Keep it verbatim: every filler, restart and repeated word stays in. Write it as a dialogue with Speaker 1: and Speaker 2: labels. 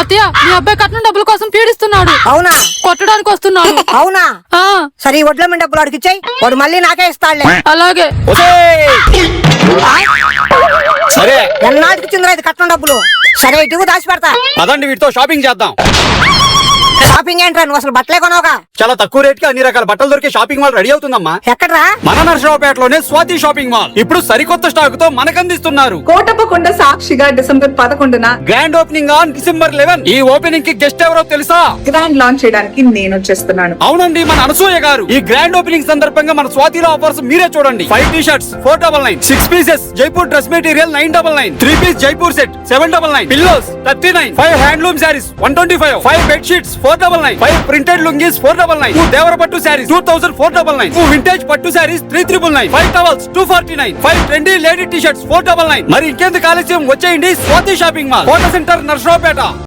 Speaker 1: అత్తయ్య మీ అబ్బాయి కట్నం డబ్బుల కోసం పీడిస్తున్నాడు.
Speaker 2: అవునా?
Speaker 1: కొట్టడానికి వస్తున్నాడు.
Speaker 2: అవునా?
Speaker 1: ఆ
Speaker 2: సరే ఈ వడ్ల మీద డబ్బులు అడిగి ఇచ్చాయి, వాడు మళ్ళీ నాకే ఇస్తాడులే.
Speaker 1: అలాగే.
Speaker 3: సరే
Speaker 2: ఎన్నాటికి చిందిరా ఇది కట్నం డబ్బులు? సరే ఇటుకు దాచి పెడతా.
Speaker 3: పదండి వీటితో షాపింగ్ చేద్దాం.
Speaker 2: షాపింగ్ ఏంట్రా, నువ్వు అసలు బట్టలే కొనవుగా?
Speaker 3: చాలా తక్కువ రేట్ కి అన్ని రకాల బట్టలు దొరికే షాపింగ్ మాల్ రెడీ అవుతుందమ్మా.
Speaker 2: ఎక్కడ్రా?
Speaker 3: మన నరసరావుపేటలోనే స్వాతి షాపింగ్ మాల్ ఇప్పుడు సరికొత్త స్టాక్ తో మనకందిస్తున్నారు.
Speaker 4: కోటప్పకొండ సాక్షిగా డిసెంబర్ పదకొండున
Speaker 3: grand opening on December eleven. ఈ ఓపెనింగ్ కి గెస్ట్ ఎవరో తెలుసా?
Speaker 4: గ్రాండ్ లాంచ్ చేయడానికి నేను వచ్చేస్తున్నాను.
Speaker 3: అవునండి, మన అనసూయ గారు. ఈ గ్రాండ్ ఓపెనింగ్ సందర్భంగా మన స్వాతిలో ఆఫర్స్ మీరే చూడండి. Five T shirts four double nine, six pieces Jaipur dress material nine double nine, three piece Jaipur set seven double nine, pillows thirty nine, five handloom saris one twenty five, five bed sheets four double nine, five printed lungis four double nine, two Devara పట్టు saris two thousand four double nine, two vintage పట్టు saris three triple nine, five towels two forty nine, five trendy lady tea shirts four double nine. మరి ఇంకెందుకు ఆలస్యం, వచ్చేయండి Swathi shopping mall, Kota centre Narasaraopet.